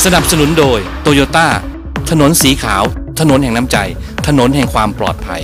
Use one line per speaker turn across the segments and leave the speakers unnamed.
นับสนุนโดยโตโยต้าถนนสีขาวถนนแห่งน้ำใจถนนแห่งความปลอดภัย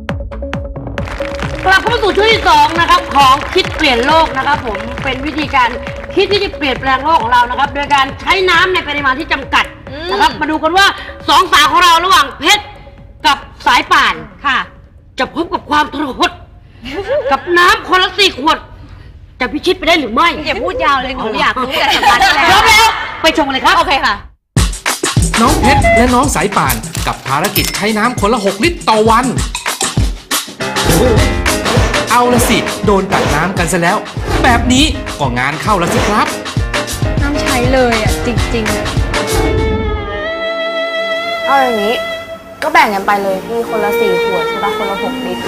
กลับเข้าสู่ช่วงที่2นะครับของคิดเปลี่ยนโลกนะครับผมเป็นวิธีการคิดที่จะเปลี่ยนแปลงโลกของเรานะครับโดยการใช้น้ำในปริมาณที่จำกัดนะครับมาดูกันว่า2 สาวของเราระหว่างเพชรกับสายป่านค่ะจะพบกับความทรหดกับน้ำคนละ4 ขวดจะพิชิตไปได้หรือไม่
อย่าพูดยาวเลยหนูอยากรู้แต่สัมภาษณ์แล้ว
พร้อมแล้วไปชมเลยครับ
โอเคค่ะ
น้องเพชรและน้องสายป่านกับภารกิจใช้น้ำคนละ6 ลิตรต่อวันเอาละสิโดนตัดน้ำกันซะแล้วแบบนี้ก็งานเข้าแล้วสิครับ
น้ำใช้เลยอ่ะจริงๆ
เอาอย่างนี้ก็แบ่งกันไปเลยพี่คนละ4 ขวดใช่ปะคนละ6 ลิตร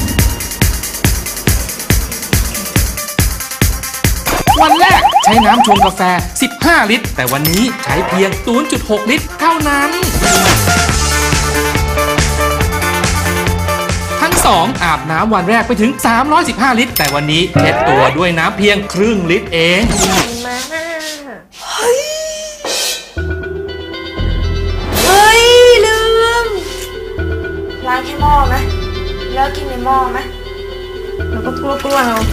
วันแรกใช้น้ำชงกาแฟ15 ลิตรแต่วันนี้ใช้เพียง 0.6 ลิตรเท่านั้นทั้งสองอาบน้ำวันแรกไปถึง315 ลิตรแต่วันนี้เช็ดตัวด้วยน้ำเพียงครึ่งลิตรเอง
เฮ้ยลืมล้างแค่หม้อไหมแล้วกินในหม้อไหมแล้วก็กลัวเอา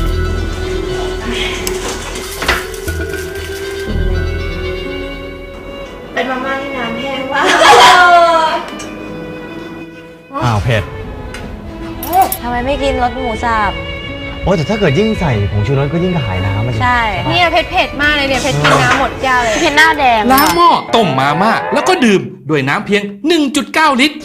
เป็นมาม่าที่น้ำแห้งว่ะ
อ้าวเผ็ด
ทำไมไม่กินรสหมูสับ
โอ้แต่ถ้าเกิดยิ่งใส่ผงชูรสก็ยิ่งกระหายน้ำ
ใช่
เนี่ยเผ็ดมากเลยเนี่ยเผ็ดกินน้ำหมดแก้วเลย
เผ็ดหน้าแดง
ล้างหม้อต้มมาม่าแล้วก็ดื่มด้วยน้ำเพียง 1.9 ลิตร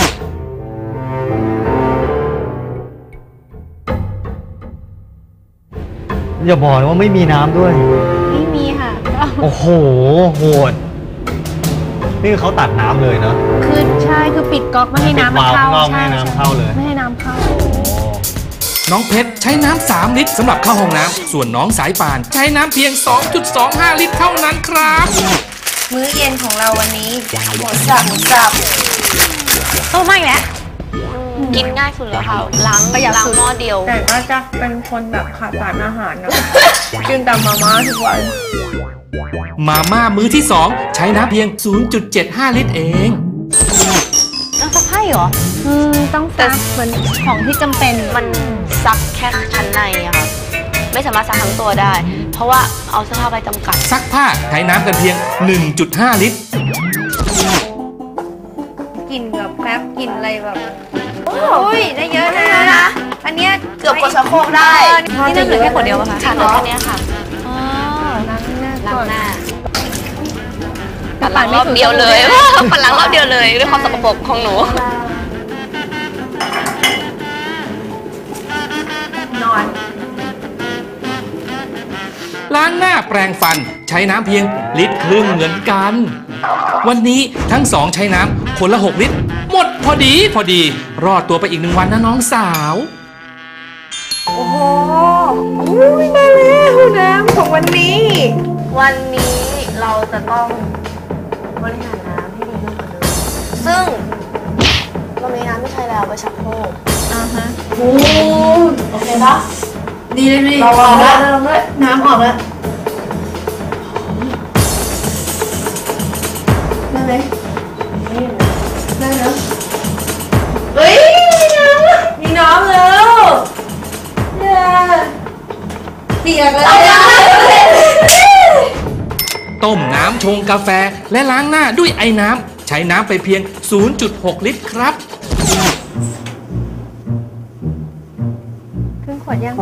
อย่าบอกนะว่าไม่มีน้ำด้วย
ไม่มีค่ะ
โอ้โหโหดนี่เขาตัดน้ำเลยเนาะ
คือใช่คือปิดก๊อกไม่ให้น้ำมันเข้า
ไม่ให้น้ำเข้าเลย
ไม่ให้น้ำเข้า
น้องเพชรใช้น้ำ3 ลิตรสำหรับเข้าห้องน้ำส่วนน้องสายป่านใช้น้ำเพียง 2.25 ลิตรเท่านั้นครับ
มื้อเย็นของเราวันนี้หมูสับ
ไม่แล้ว
กินง่ายสุดแล้วค่ะล้างหม้อเดียว
แต่ก็จะเป็นคนแบบขาดสารอาหารนะกินแต่มาม่าทุกวัน
มาม่ามื้อที่2ใช้น้ำเพียง 0.75 ลิตรเอง
ต้องซักให้เหรอต้องซักเหมือนของที่จำเป็น
มันซักแค่ชั้นในอะค่ะไม่สามารถซักทั้งตัวได้เพราะว่าเอาเสื้อผ้าไปจำกัด
ซักผ้าใช้น้ำกันเพียง 1.5 ลิตร
กินกับแป๊บกินอะไรแบบโอ้ยได้เยอะนะอันนี้
เกือบกดชักโครกได้
นี่น้ำเหลือแค่ขวดเดียวป่ะคะ
ค่ะเหลือแค่นี้ค่ะ
ล้างหน้า
ปั่นรอบเดียวเลยปั่นล้างรอบเดียวเลยด้วยความสกปรกของหนู
นอน
ล้างหน้าแปรงฟันใช้น้ำเพียงลิตรครึ่งเหมือนกันวันนี้ทั้งสองใช้น้ำคนละ6 ลิตรหมดพอดีรอดตัวไปอีก1 วันนะน้องสาว
โอ้โหมาแล้วน้ำของวันนี้เราจะต้องบริหารน้ำให้ดีมากกว่าเดิมซึ่งเรามีน้ำที่ใช้แล้วไปชักโครกโอเคปะ
ดีเลย
เราลองด้วยน้ำออกแล้วได้ไหมได้แล้วเฮ้ยมีน้ำแล้วเปียกแล้ว
ต้มน้ำชงกาแฟและล้างหน้าด้วยไอ้น้ำใช้น้ำไปเพียง 0.6 ลิตรครับ
ครึ่งขวดยัง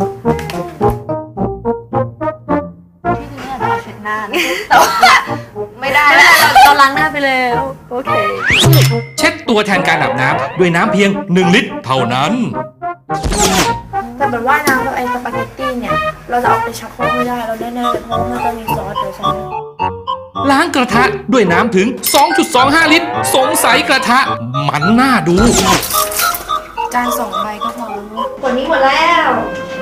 ที่จริงเนี่ยเราเช็ดหน้าแต่ว่าไม่ได้เราล้างหน้าไปแล้วโอเค
เช็ดตัวแทนการอาบน้ำด้วยน้ำเพียง1 ลิตรเท่านั้น
แต่แบบว่าน้ำกับไอ้สปาเกตตี้เนี่ยเราจะเอาไปชักโครกไม่ได้เราแน่ๆเลยเพราะมันจะมีซอสเดี๋ยวใช่ไหม
ล้างกระทะด้วยน้ำถึง 2.25 ลิตรสงสัยกระทะมันน่าดู
จาน2 ใบก็พอขวดนี้หมดแล้ว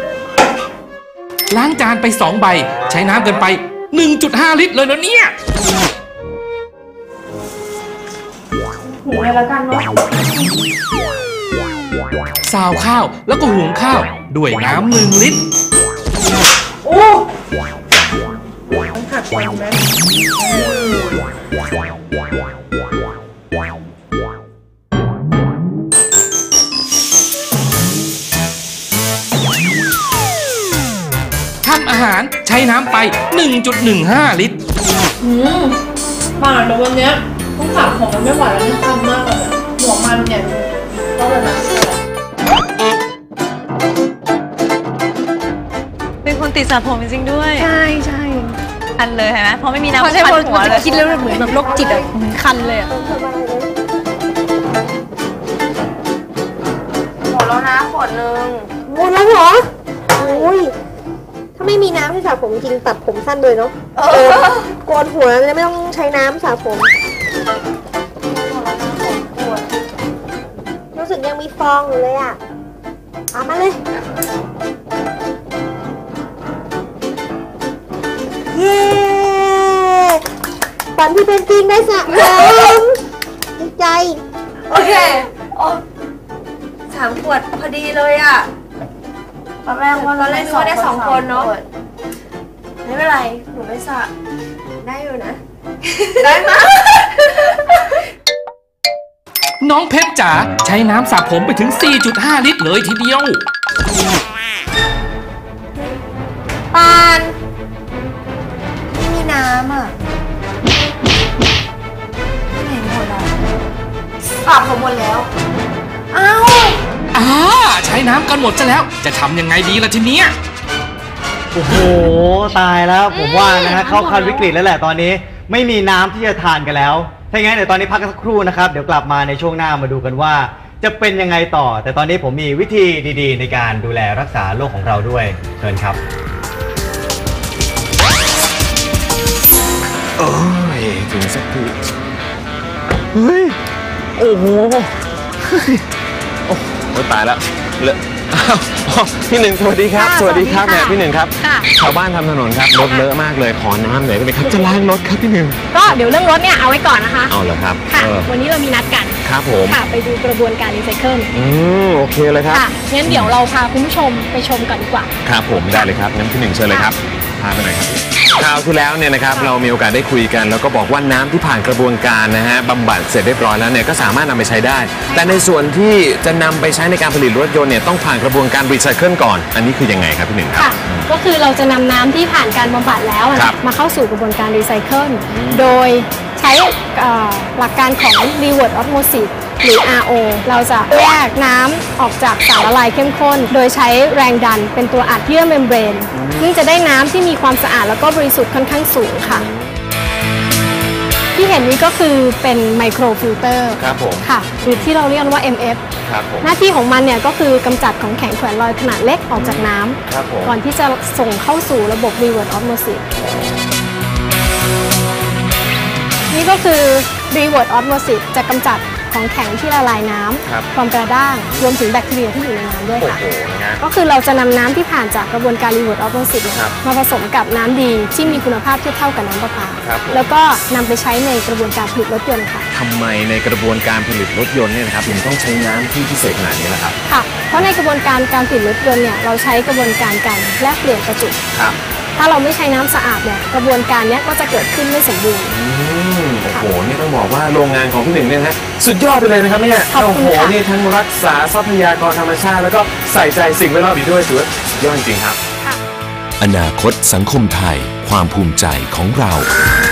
ล้างจานไป2 ใบใช้น้ำกันไป 1.5 ลิตรเลยนะเนี่ย
หุงเลยแล้วกันเนาะ
ซาวข้าวแล้วก็หุงข้าวด้วยน้ำ1 ลิตร
โอ้ผักก่อนไหม
ำอาหารใช้น้ำไป 1.15 ลิตร
ป่านแต่วันเนี้ยต้องสระผมมันไม่ไหวแล้วนี่คันมากเลยหัวมันเนี่ยก็เลยนะเป็นคนติดสระผมจริงๆด้วยใช่ใช่คันเลยเห็นไหมเพราะไม่มีน้ำคันหัวเลยคิดแล้วเหมือนแบบโรคจิตอะคันเลยอะหมดแล้วนะขวดนึง
หมดแล้วเหรอโอ้ยถ้าไม่มีน้ำที่สระผมจริงตัดผมสั้นเลยเนาะโกนหัวเลยไม่ต้องใช้น้ำสระผมรู้สึกยังมีฟองอยู่เลยอ่ะเอามาเลยเย้ฝันที่เป็นจริงได้สระผมดีใจ
โอเคโอ้3 ขวดพอดีเลยอ่ะตอนแรกว่าเราได้2 คนเนาะไม่เป็นไรหนูไม่สระได้อยู่นะ ได้ไหม
น้องเพชรจ๋าใช้น้ำสระผมไปถึง 4.5 ลิตรเลยทีเดียว
ปานไม่มีน้ำอ่ะไม่เห็นหมดอ่ะ
สระผมหมดแล้ว
ใช้น้ำกันหมดซะแล้วจะทำยังไงดีล่ะทีเนี้ย
โอ้โหตายแล้วผมว่านะฮะเข้าขั้นวิกฤตแล้วแหละตอนนี้ไม่มีน้ำที่จะทานกันแล้วถ้าอย่างนั้นเดี๋ยวตอนนี้พักกันสักครู่นะครับเดี๋ยวกลับมาในช่วงหน้ามาดูกันว่า จะเป็นยังไงต่อ แต่ตอนนี้ผมมีวิธีดีๆในการดูแลรักษาโรคของเราด้วยเชิญครับ
โอ้ยถึงสักทีเฮ้ยโอ้โหเฮ้ยโอ้โหตายแล้วเลอะอ้าวพี่หนึ่งสวัสดีครับสวัสดีครับแม่พี่หนึ่งครับชาวบ้านทำถนนครับรถเลอะมากเลยขอน้ำหน่อยได้ไหมครับจะล้างรถครับพี่หนึ่ง
ก็เดี๋ยวเรื่องรถเนี่ยเอาไว้ก่อนนะคะ
เอาเหรอครับ
ค่ะวันนี้เรามีนัดกัน
ครับผม
ค่ะไปดูกระบวนการรีไซเคิล
โอเคเลยครับ
ค่ะงั้นเดี๋ยวเราพาคุณผู้ชมไปชมก่อนดีกว่า
ครับผมได้เลยครับงั้นพี่หนึ่งเชิญเลยครับพาไปหน่อยครับคราวที่แล้วเนี่ยนะครับเรามีโอกาสได้คุยกันแล้วก็บอกว่าน้ำที่ผ่านกระบวนการนะฮะบำบัดเสร็จเรียบร้อยแล้วเนี่ยก็สามารถนำไปใช้ได้แต่ในส่วนที่จะนำไปใช้ในการผลิตรถยนต์เนี่ยต้องผ่านกระบวนการรีไซเคิลก่อนอันนี้คือยังไงครับพี่หนึ่งครับ
ก็คือเราจะนำน้ำที่ผ่านการบำบัดแล้วมาเข้าสู่กระบวนการรีไซเคิลโดยใช้หลักการของ reverse osmosis หรือ RO เราจะแยกน้ำออกจากสารละลายเข้มข้นโดยใช้แรงดันเป็นตัวอัดเยื่อเมมเบรนซึ่งจะได้น้ำที่มีความสะอาดแล้วก็บริสุทธิ์ค่อนข้างสูงค่ะที่เห็นนี้ก็คือเป็นไมโครฟิลเตอร์ค่ะหรือที่เราเรียกว่า MF หน้าที่ของมันเนี่ยก็คือกำจัดของแข็งแขวนลอยขนาดเล็กออกจากน้ำก่อนที่จะส่งเข้าสู่ระบบ reverse osmosis นี่ก็คือ reverse osmosis จะกำจัดของแข็งที่ละลายน้ำความกระด้างรวมถึงแบคทีเรียที่อยู่ในน้ำด้วยค่ะก็คือเราจะนำน้ำที่ผ่านจากกระบวนการ reverse osmosis มาผสมกับน้ำดีที่มีคุณภาพเทียบเท่ากับน้ำประปาแล้วก็นำไปใช้ในกระบวนการผลิตรถยนต์ค่ะ
ทำไมในกระบวนการผลิตรถยนต์เนี่ยนะครับถึงต้องใช้น้ำที่พิเศษขนาดนี้ล่ะครับ
ค่ะเพราะในกระบวนการการผลิตรถยนต์เนี่ยเราใช้กระบวนการการแลกเปลี่ยนประจุถ้าเราไม่ใช้น้ำสะอาดเนี่ยกระบวนการนี้ก็จะเกิดขึ้นไม่สมบูรณ์
โอ้โหนี่ต้องบอกว่าโรงงานของพี่หนึ่งเนี่ยนะสุดยอดไปเลยนะครับเนี่ยโอ้โหนี่ทั้งรักษาทรัพยากรธรรมชาติแล้วก็ใส่ใจสิ่งแวดล้อมอีกด้วยถือว่ายอดจริงครับ
อนาคตสังคมไทยความภูมิใจของเรา